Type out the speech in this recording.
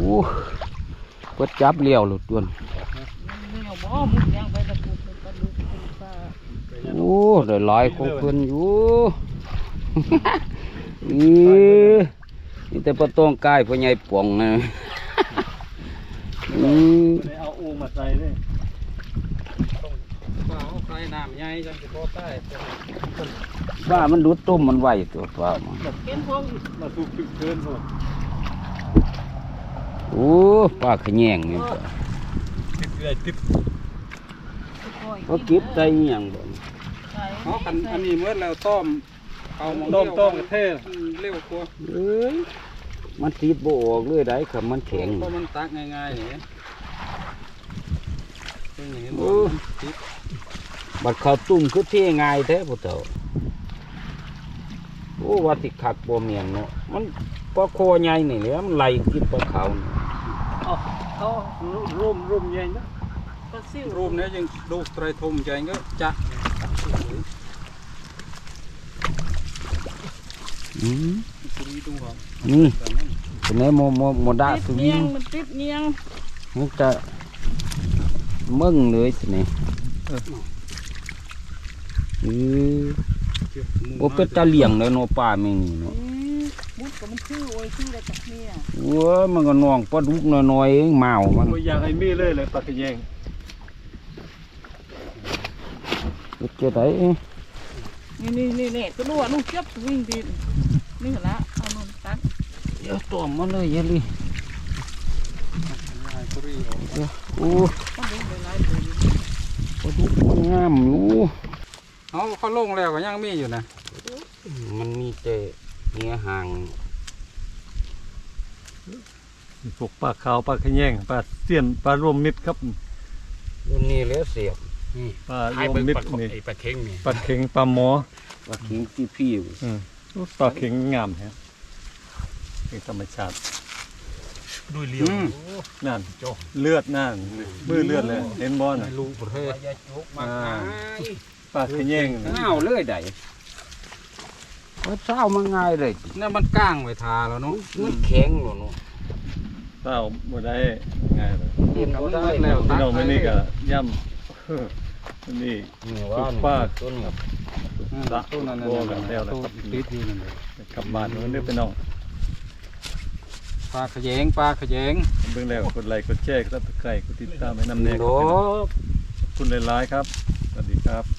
เปิดจับเลี้ยวหลุดตัวโอ้ได้หลายของเพิ่นอยู่นี่แต่ปะต้องกายพ่อใหญ่ป่องนะเอาอูมาใส่เลยต้องเอาใส่น้ำใหญ่จังสิพอใต้ว่ามันดูดต้มมันไหวตัวว่ามันมาสูบเกินหมดโอ้ปลาขะแยงนี่ติดเขาเก็บได้ยังบ่เขาอันนี้เมื่อแล้วต้มเอาต้มกระเทศเร็วกว่ามันติดบ่ออกเลยได้ครับมันแข็งเพราะมันตักง่ายๆอย่างนี้บัดข้าวตุ่มคือเท่ง่ายแท้พ่อเฒ่าโอ้ว่าสิคักบ่เมียนเนาะมันปลาคอใหญ่นี่แหละมันไหลกินปลาขาวเขาร่มใหญ่นะร่มเนี่ยยังดูไตรทมใจก็จะนี่เป็นไงโมดาสุวิงมันติดเนียงมันจะมึงเลยสิเนี่ยโอ้เป็นตาเหลี่ยงเลยโนป่าไม่มีเนาะมุดก็มันชื่อโอ้ยชื่ออะไรจากเนี่ยว้ามันก็นองปลาดุกน้อยๆเองเมามันอยากให้มีเลยปลากระแยงจะได้นี่ก็รู้ว่าลูกเจ็บวิ่งดินนี่ละเอานนตักเดี๋ยวตัวมันเลยยันดิโอ้ปลาดุกมันงามอยู่เขาลงแล้วก็ยังมีอยู่นะมันมีแต่เนื้อหางพวกปลาขาวปลากระแยงปลาเสี้ยนปลารวมมิตรครับรุ่นนี้แล้วเสียบปลารวมมิตรนี่ปลาเค็งนี่ปลาเค็งปลาหมอปลาเค็งพี่ปลาเค็งงามฮะเป็นธรรมชาติด้วยเลี้ยวนั่นเลือดนั่นมือเลือดเลยเห็นบอลน่ะลูกประเทศปลาขะแยงเงาเลยได้เศร้ามันง่ายเลยนั่นมันก้างไว้ทาแล้วเนาะมันแข็งหรอเนาะเศร้าบ่ได้ง่ายเลยได้แล้วพี่น้องไม่นี่ก็ย่ำนี่ปลาต้นกับต้นนั้นแล้วติดอยู่นั่นเลยกลับบ้านมันเด้อพี่น้องปลาขะแยงเบิ่งแล้วกดไลค์กดแชร์กดซับสไครบ์กดติดตามให้นำแน่ครับขอบคุณหลายๆครับสวัสดีครับ